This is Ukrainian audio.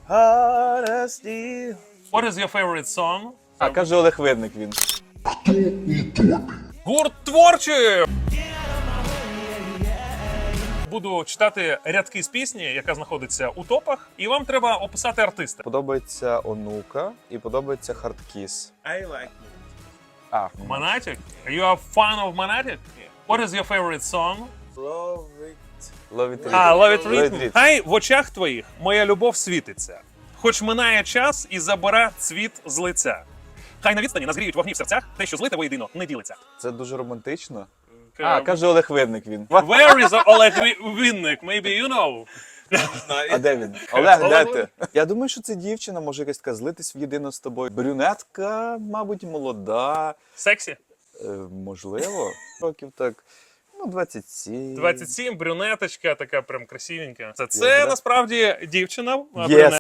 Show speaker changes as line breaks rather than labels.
Honesty.
What is your favorite song?
А, каже Олег Видник він.
Гурт творчий! Буду читати рядки з пісні, яка знаходиться у топах, і вам треба описати артиста.
Подобається Онука і подобається Хардкіс.
I like
А,
Monatic? You are fan of Monatic? What is your favorite song?
love it.
Love It
А, Love It
Rhythm.
Rhythm. Хай в очах твоїх моя любов світиться. Хоч минає час і забере цвіт з лиця. Хай на відстані назгріють вогні в серцях, те, що злите воєдино, не ділиться.
Це дуже романтично. А, каже Олег Видник він.
Where is Олег Вінник? Maybe you know.
А де він? Олег, де
Олег
ти? Я думаю, що це дівчина, може якась така злитись воєдино з тобою. Брюнетка, мабуть, молода.
Сексі?
Можливо. Років так, 27.
27, брюнеточка, така прям красивенька. Це
да?
насправді дівчина.
Є